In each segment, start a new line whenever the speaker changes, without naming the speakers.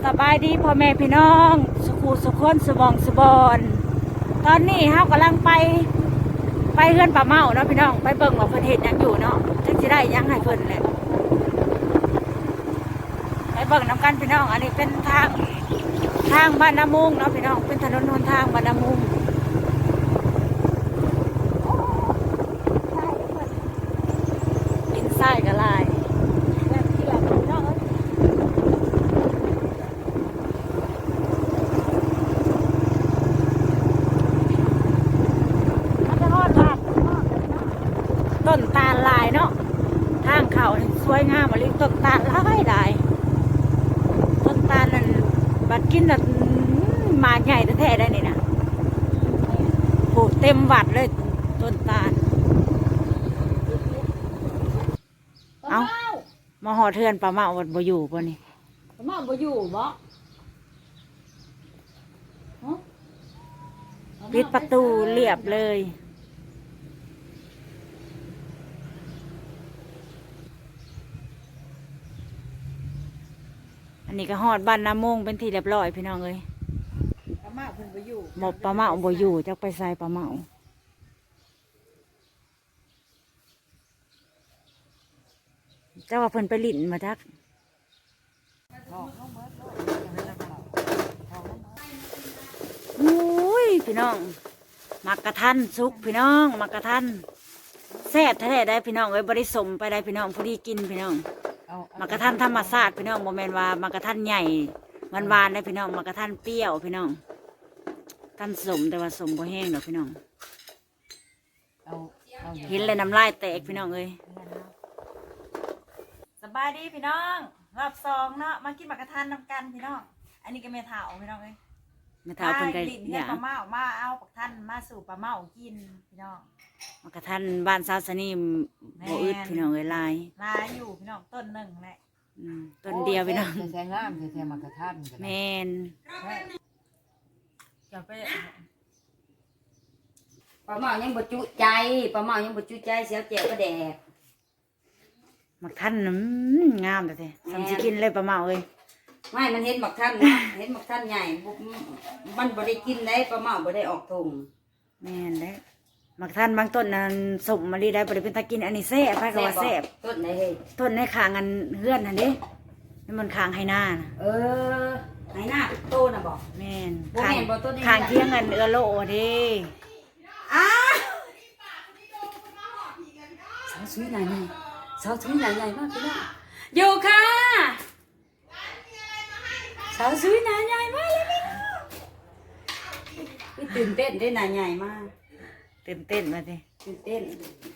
สบายดีพ่อแม่พี่น้องสุขุสุขคนสบองสบอนตอนนี้เฮากำลังไปเฮือนป่าเมาเนาะพี่น้องไปเบิ่งว่าเพิ่นเฮ็ดหยังอยู่เนาะจักสิได้หยังให้เพิ่นแหละไปเบิ่งนำกันพี่น้องอันนี้เป็นทางบ้านนามุงเนาะพี่น้องเป็นถนนหนทางบ้านนามุงดินทรายก็หลายแบบที่แบบพี่น้องต้นตาลลายเนาะทางเขาสวยงามอะไรต้นตาลหลายต้นตาลนั่นบัดกินน่ะมาใหญ่แท้ๆได้นี่นะโหเต็มวัดเลยต้นตาลเอามาห่อเทือนปลาเมาวัดบ่อยู่ป่ะนี่ปลาเมาบ่อยู่บ่ปิดประตูเรียบเลยอันนี้ก็ฮอดบ้านน้ำมงเป็นที่เรียบร้อยพี่น้องเอ้ยปลาเมาเพิ่นบ่อยู่หมดปลาเมาบ่อยู่จักไปใส่ปลาเมาเจ้าว่าเพิ่นไปลิ้นมาจักอุ้ยพี่น้องมักกะทันสุกพี่น้องมักกะทันแซ่บแท้ๆได้พี่น้องเอ้ยบ่ได้สมไปได้พี่น้องพอดีกินพี่น้องมักกะทันธรรมชาติพี่น้องโมเมนว่ามักกะทันใหญ่หวานๆได้พี่น้องมักกะทันเปรี้ยวพี่น้องทันสมแต่ว่าสมบ่แห้งดอกพี่น้องเห็นเลยน้ำลายแตกพี่น้องเอ้ยสบายดีพี่น้องรอบสองเนาะมากินมักกะทันนำกันพี่น้องอันนี้ก็เมถาวพี่น้องเอ้ยเมถาวเป็นไงเนี่ยปลาเมามาเอาปักทันมาสู่ปลาเมากินพี่น้องมักกะทันบ้านซาสนีบ่อึดพี่น้องเอ้ยลายอยู่พี่น้องต้นหนึ่งแหละต้นเดียวพี่น้อง
แทงงามแทงมักกะทัน
แมนจะไป
ปลาเมายังบ่จุใจปลาเมายังบ่จุใจเสียวแจ่วก็แดก
มักทันงามแต่ทำสิกินเลยปลาเมาเอ้ย
ไม่มันเห็นมักทันนะเห็นมักทันใหญ่มันบ่ได้กินได้ปลาเมาบ่ได้ออกทง
แม่นได้มักทันบางต้นนั้นสมมาลีได้บ่ได้เป็นตะกินอันนี้แซ่บไปก็ว่าแซ่บ
ต้นไหนเฮ้ย
ต้นในคางอันเฮือนนั่นเด้นี่มันคางให้หน้านะ
ให้หน้าโตน่ะบอก
แม่น
คาง
เที่ยงเงินโลเด้
สาวสวยหน่อยสาวสวยหน่อยมากพี่น้องอยู่ค่ะสาวสวยหน่อยมากเลยพี่ตื่นเต้นได้หน่อยใหญ่มาก
ตื่นเต้นมาสิ
ตื่นเต้น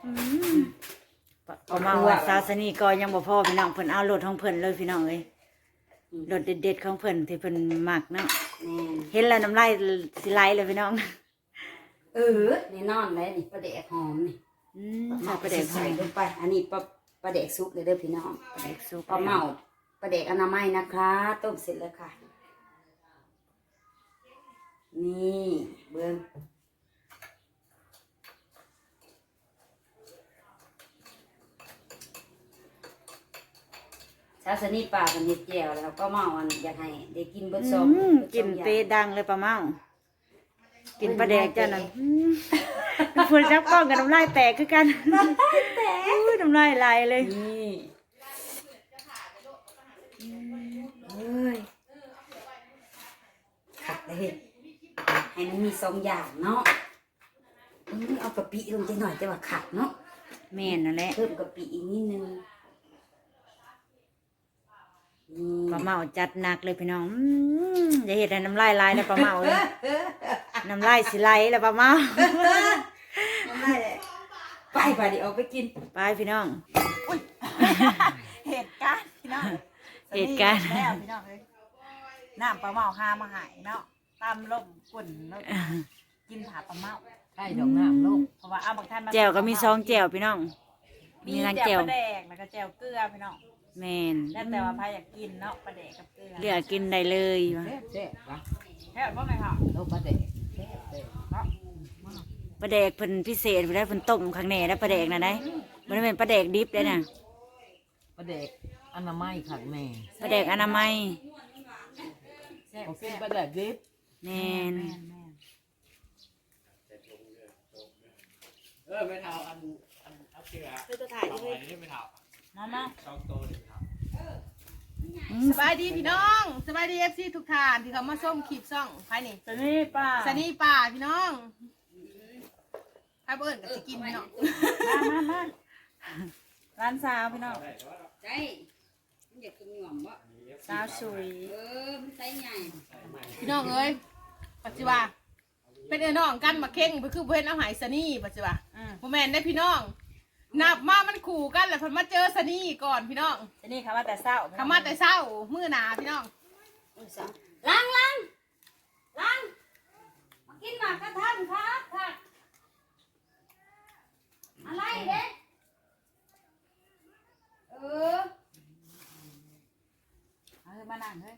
เอามาว่าซาสนีก็ยังบ่พอพี่น้องเพิ่นเอารถของเพิ่นเลยพี่น้องเอ้ยรถเด็ดๆของเพิ่นที่เพิ่นมักเนาะเห็นแล้วน้ำลายสิไหลเลยพี่น้อง
นี่นอนเลยนี่ปลาแดกหอมนี่
ปลาแดก
ใส่ลงไปอันนี้ปลาแดกซุปเลยเด้อพี่น้อง
ปลาแดกซุป
ปลาเมาปลาแดกอนามัยนะคะต้มเสร็จแล้วค่ะนี่เบิ้งชาสนีป่ากันเห็ดแจ่วแล้วก็เมาอันอยากให้ได้กินเบิ้งซอง
กินเปดังเลยปลาเมากินปลาแดกจ้ะน่ะเพิ่นจับก้องกับน้ำลายแตกคือกันน้ำลายแตกน้ำลายไหลเลย
นี่ขัดเลยให้มันมี2อย่างเนาะเอากะปิลงไปหน่อยจะว่าขัดเนาะ
แม่นนั่นแหละ
เพิ่มกะปิอีกนิดนึง
ปลาเมาจัดหนักเลยพี่น้องอย่าเห็นน้ำลายไหลเลยปลาเมาเลยน้ำลายสิไหลแล้วปลาเมา
น้ำลายไปดิออกไปกิน
ไปพี่น้อง
เหตุการณ์พี่น้อง
เหตุการณ์
แล้วพี่น้องเลยน้ำปลาเมาหามาหายเนาะตามลมฝุ่นแล้วกินผักปลาเมา
ใช่ดอกน้ำลูก
เพราะว่าเอาบางท่าน
แจ่วก็มี2แจ่วพี่น้อง
มีทั้งแจ่วปลาแดกแล้วก็แจ่วเกลือพี่น้อง
แม่น
แล้วแต่ว่าพายอยากกินเนาะปลาแดกกับเกลือ
เลือกกินได้เลย
แซ่บปะ
แซ่บว่าไงคะ
ปลาแดก
ปลาแดกเพิ่นพิเศษได้เพิ่นต้มข้างในแล้วปลาแดกน่ะได้บ่ได้เป็นปลาแดกดิบได้น่ะ
ปลาแดกอนามัยขัดแม่
ปลาแดกอนามัย
ซ่บ
ของกิ
แซ่
น
บ
ปลาแดดดิบ
แม่น
แม่น
ไม่เท่าอันเอาเชือก
คือตัวถ่าย
เอา
เล
ไว้
ย
นี่ไม่เท่า
มา
สองโตวนี่ไม่เท่า
สบายดีพี่น้องสบายดีเอฟซีทุกท่านที่เขามาส้มขีบซ่องใครนี่
สนี่ป้า
สนีป่าพี่น้องใครเบิ่นกับสิกินพี่น้อง
มาร้านสาวพี่น้อง
ใจมันอยากกินหย่อมบ่
สาวสวย
มันไซใหญ่
พี่น้องเอ้ยปัจจุบันเป็นเอ้น้องกันมาเข่งไปคือเพื่อนเอาหายสนีปัจจุบันโมแมนได้พี่น้องนับมามันขู่กันแหละเพิ่นมาเจอสนีก่อนพี่น้อง
สนี่คำว่าแต่เศร้า
คำมาแต่เศร้ามื้อหนาพี่น้อง
ล้างมากินหมากกระทันครับค่ะอะไรเด้
มานั่งเฮ้ย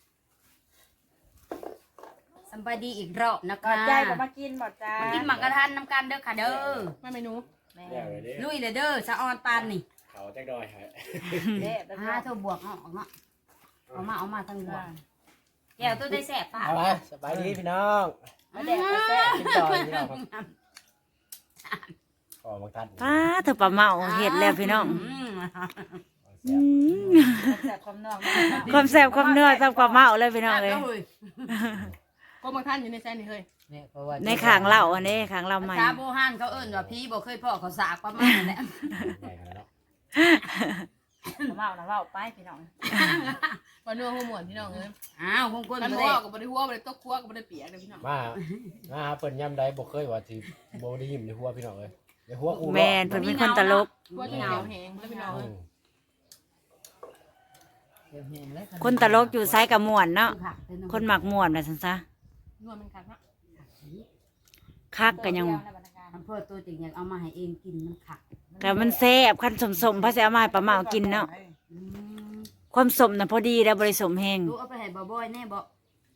สบายดีอีกรอบนะ
ก่อ
คะ
นใจก็มากินบ่จ้า
มากินหมากกระทันน้ำกันเด้อค่ะเด้อ
มาเมนู
แม่
เดี๋ยวเลยดิ
ลุยเลยเด้อสะออนปานนี่
เขาแจ็คดอยฮะ
เด็ดแล้ว
เธอบวกเอามาทั้งบวกแก้วตัวได้แสบป่ะ
เอาละสบายดีพี่น้อง
มาเด็ดก็แซ่บ
กินดอยพี่น้องครับขอบางท่าน
ป้าเธอปลาเมาเห็ดแล้วพี่น้อง
แซ่บความนอก
ความแซ่บความเนื้อแซ่บความเมาเลยพี่น้องเลย
ก็บางท่านอยู่ในแซนนี่เฮ้ย
ในขางเหล่าอันนี้ขางเหล่าใหม่
ชาโบฮันเขาเอิ้นว่าพี่บ่เคยพ่อเขาสากประมาณนั้นแหละ
ใหญ่ขนาดนั้น
เมานะเมาไปพี่น้อง
วันนัวหัวหมวนพี่น้องเอ้ย
อ้าวคงคน
กัน
บ่
หัว
ได้
กับบริหัวบริตกหัวกับบริเปียกเลยพี่น้อง
มาเปิ่นย่ำใดบ่เคยว่าสิบ่ได้ยิ้มในหัวพี่น้องเลยในหัวกู
แมนเพิ่นเป็นคนตลก
หัวจะเหนียวแหงแล้วพี่น้องเอ้ย
คนตลกอยู่ไซกับม่วนเนาะคนหมักม่วนน่ะซั่นซะ
นัวมันคักเนาะ
คักกันยัง
มันเพื่อตัวจริงอยากเอามาให้เองกินมันขัก
แต่มันแซ่บคันสมๆพระสิเอามาให้ป้าเมากินเนาะ
อืม
ความสมน่ะพอดีแล้วบ่ได้สมแฮง
ลูกเอาไปให้บ่บ่อยแน่บ่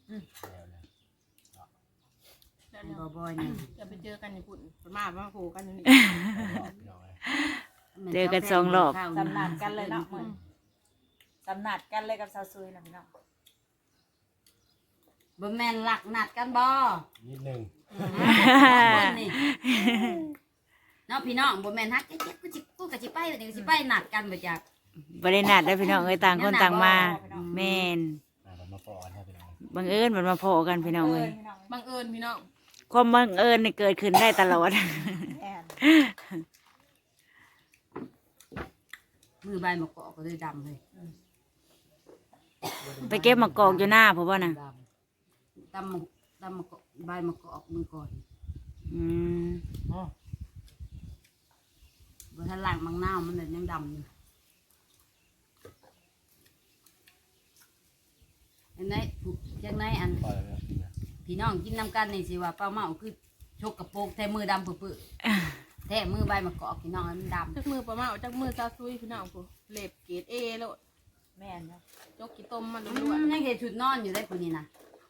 ให้บ่บ่อยแน่
จะไปเจอกันญี่ปุ่นมาโผล่กันอยู่นี่
เจอกัน2รอบ
สำนัดกันเลยเนาะเหมือนสำนัดกันเลยกับสาวซุยนะพี่น้อง
บ่แม่นหลักนัดกันบ่
นิดนึง
คนนี่เนาะพี่น้องบ่แม่นฮักเจ๊กูก็สิไปเดี๋ยวสิไปนัดกันบ่จัก
บ่ได้นัดได้อพี่น้องเอ้ยต่างคนต่างมาแม่น
มันมาปอนให้พี่น้อง
บังเอิญมันมาพอกันพี่น้องเอ้ย
พี่น้อง
บังเอิญพี่น้อง
ความบังเอิญนี่เกิดขึ้นได้ตลอด
แอน
มือใบมะกอกก็เลยดำเลย
ไปเก็บมะกอกอยู่หน้าเพราะว่าน่ะ
ดำมะกอกใบมะกอกมือก่อน
อืม
บ่ทันล้างมังนาวมันเลยยังดำอยู่อันไหนจังไหนอัน
ปล่อยแล้ว
พี่น้องกินน้ำกันนี่สิว่าป้าเมาคือชกกระโปรงแท้มือดำปื้อๆแท้มือใบมะกอกพี่น้องมันดำ
จักมือปลาเมาจักมือซาซุยพี่น้องผู้เล็บเกรดเอแล้ว
แม่นเนาะ
ยกกี่ต้มมัน
อื
ด้วย
มยังเห็นชุดนอนอยู่ได้คนนี้นะ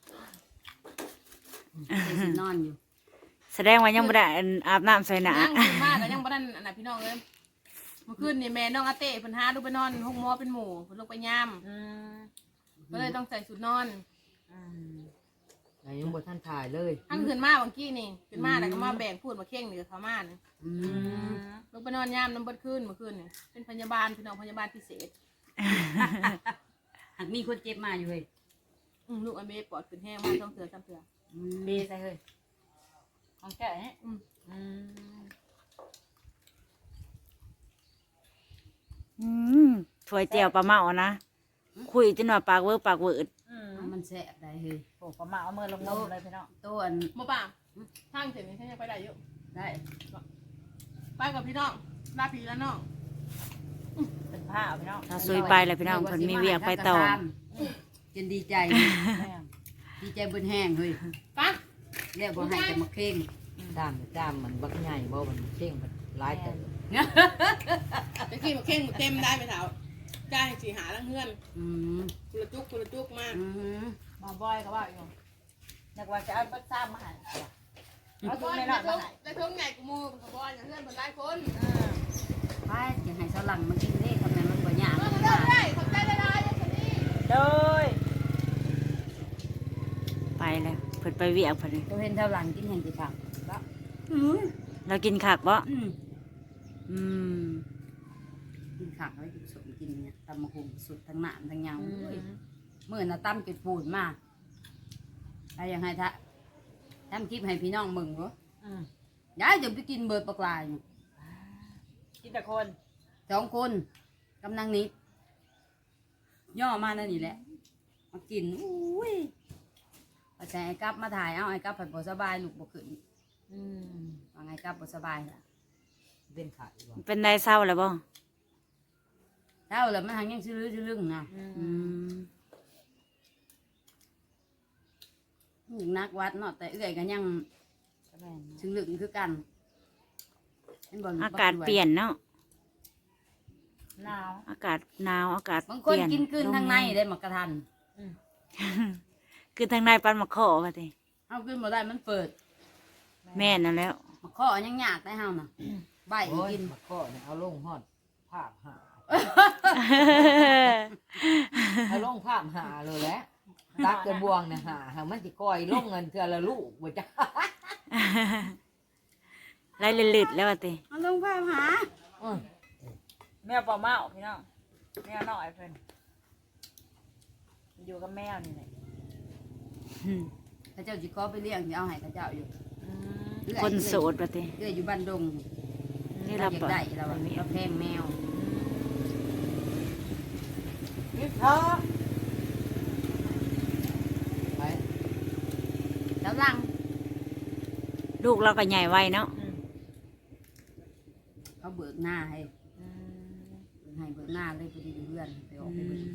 เห็นชุดนอนอยู่
แสดงว่ายังบ่ได้อาบน้ำใส่หนา
ยังขึ้นมาแต่ยังบ่ทันอันน่ะพี่น้องเอ้ยเมื่อคืนนี่แม่น้องอาเต้เพิ่นหาดูไปนอนห้องหมอเป็นหมู่เพิ่นลงไปย่ามก็เลยต้องใส่ชุดนอน
ยังบ่ท่านถ่ายเลย
ทั้งขึ้นมาบางกี้นี่ขึ้นมาแล้วก็มาแบ่งพูดมาเข่งนี่กับเขามานี่
อืม
ลงไปนอนย่ามน้ำเบิดคืนเมื่อคืนนี่เป็นพยาบาลพี่น้องพยาบาลพิเศษ
หากมีคนเจ็บมาอยู่เฮ้ย
ลูกอันเมย์ปอดขึ้นแห้งมาต้องเสือซ้ำเสือ
อืม
ดีใส่เฮ้ยของแก่เนี่ย
อืมถ้วยเจียวปลาเมานะคุยจนว่าปากเวอปากเวิร์ด
มันแสบได้เฮ้ย
โอ้ประมาเอามือลงนมเลยพี่น้อง
ตัวอัน
บ่ป่าทางเสร็จนี่ฉันยังไปได้เยอะ
ได้
ไปกับพี่น้องลาพี่แล้วน้อง
เป็นผ้าพี่น้อง
ถ้าซุยไปแล้วพี่น้องเพิ่นมีเวียกไปต่อ
จนดีใจ
แม่
ดีใจบนแห้งเฮ้ย
ไปัก
เรียกบ่ให้แต่มาเข่ง
ตามมันบักใหญ่บ่มันเข่งมันหลายแต่
ตะกี้มาเข่งเต็มได้ไปเถาจ้าให้สีหาลังเฮือน
อืม
กุละจุกมาก
อืม
มาบ่อยก็ว่าอยู่นึกว่าจะเอาบัตรซ้ำมาให้เอา
บ
ทุก
อย
ใน
ได้
หลอดมาให้
ได้ทุ่งใหญ่กูมูกับบอยอย่างเฮือนเป็นหลายคน
ไปจะให้สลังมากินเด้ทำไมมันบ่ยาก
เออเริ่มได้ขอบใจได้ได้คนนี้
โดย
แล้วเพิ่นไปเวียกเพิ่นนี่
ตัวเห็นเท่าหลังกินแห่งกี่ผักแล้ว
เรากินคักบ่
อืม
อืม
กินขักแล้วกินสมกินเนี่ยตำมะฮุงสุดทั้งหนามทั้งยาวเมื่อน่ะตั้มกินปูนมาอะไรยังไงทะทำคลิปให้พี่น้องมึงวะย้ายจะไปกินเบิดปลากลายเนี่ย
กินแต่คน
2 คนกำลังนิดย่อมานั่นนี่แหละมากินอุ้ยพอใจไอ้กับมาถ่ายเอาไอ้กับผัดบ่สบายลูกบ่ขึ้นว่าไงกับบ่สบายล่ะ
เป็นไข่บ่
เป็นได้เศร้าแล้วบ่
เท่าแล้วมันหังยังซื้อลึงนะ
อืม
นักวัดเนาะแต่เอื้อยกันยังซื้อลึงคือกันเห็นบ่ลู
อากาศเปลี่ยนเนาะ
หนาว
อากาศหนาวอากาศ
บาง
เป
คน
ลี่ยน
กินคืนทางในได้หมักกระทัน
คือทางในปันมะข้อว่าติ
เอาขึ้นมาได้มันเปิด
แม่นนั่นแล้ว
หมักข้อยังยากได้เฮาน่ะใบ
โอ้ย
กิน
มาก็เนี่ยเอาลงฮอดภาพหาเอาลงภาพหาเลยแหละตักกระบวงเนี่ยหามันสิก้อยลงเงินเทื่อละลูกบ่จ้า
ไล่ลืดๆแล้วว่าติ
เอาลงภาพหา
แมวปลาเมาพี่น้องแมวน้อยเพิ่นอยู่กับแมวนี่แหละ
อืม
ข้าเจ้าจิขอไปเลี้ยงที่เอาให้ข้าเจ้าอยู่เอื้อย
คนโสดว่าติ
เอื้อยอยู่บ้านดง
นี่
เรา
เรา
อยาก
บ่
ได้เราแพงแมว
นี่ท้อ
ไป
แล้วลัง
ลูกเราก็ใหญ่ไวเนาะ
เขาเบิกหน้าให้เบิกหน้าเลยพอดีเพื่อนไปออกไปเบิก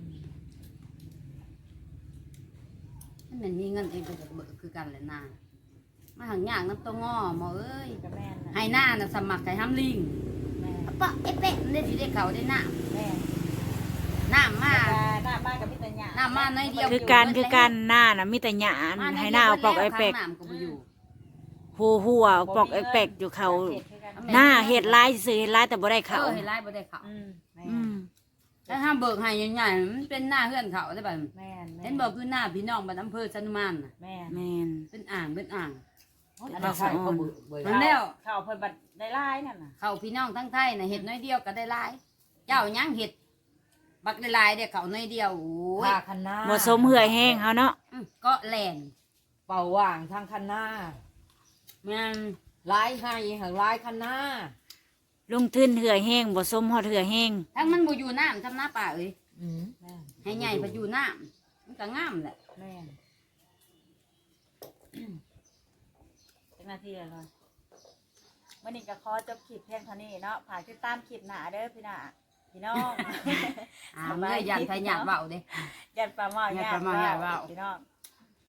มันมีเงินเองก็จะเบิกคือกันแหละหน้ามาหังยากน้ำตัวง้อหมอเอ้ย
กับแม่น่ะ
ให้หน้าน่ะสมัครไก่ห้ำลิง
แม่
ปะเอ๊ะเป๊ะได้สิได้เขาได้หน้า
แม่
หน้ามา
หน้าบ้านกับพี่ตาหยา
หน้ามาในเดียว
คือการหน้าน่ะมีแต่หยาให้หน้าเอาปอกไอเป็ก
ข้างน้ำก็บ่อยู่
หัวปอกไอเป็กอยู่เขาหน้าเฮ็ดลายซื่อเฮ็ดลายแต่บ่ได้เขา
เออให้ไล่บ่ได้เขา
แม่
อืม
ถ้าห้ามเบิกให้ใหญ่ๆมันเป็นหน้าเฮือนเขาได้ป่ะ
แม่
เห็นบอกคือหน้าพี่น้องบ้านอำเภอสันมานน่ะ
แม่
แม่น
เป็นอ่างเป็นอ่าง
อันนั้นใช่ก็เบื่อเบื่อ
มันแล้ว
ข้าวเพิ่นบัดได้ลายนั่นน่ะ
เขาพี่น้องทั้งไทยน่ะเห็ดน้อยเดียวก็ได้หลาย เจ้ายังเห็ดบักได้หลายเด้เขาน้อยเดียวโอ้ย
ทาคันนา
บ่สมเหื่อยแห้งเฮาเนาะ
ก็แลน
เป่าว่างทางคันนา
มัน
ลายให้หางลายคันนา
ลงทุนเหื่อยแห้งบ่สมฮอดเหื่อยแห้ง
ทั้งมันบ่อยู่น้ำทำหน้าป่าเอ้ย
อืม
แม่
ให้ใหญ่ไปอยู่น้ำมันก็งามแหละ
แม่เป็นหน้าที่แล้ววันนี้ก็ขอจบคลิปเพียงเท่านี้เนาะฝากติดตามคลิปหน้าเด้อพี่น้อง
อ่าเมื่อยันไทยหยาดเบาเด้
ยันปลาหม้อ
ยันปลาหม้อ
ญ
ญาติว่าว
พี่น้อง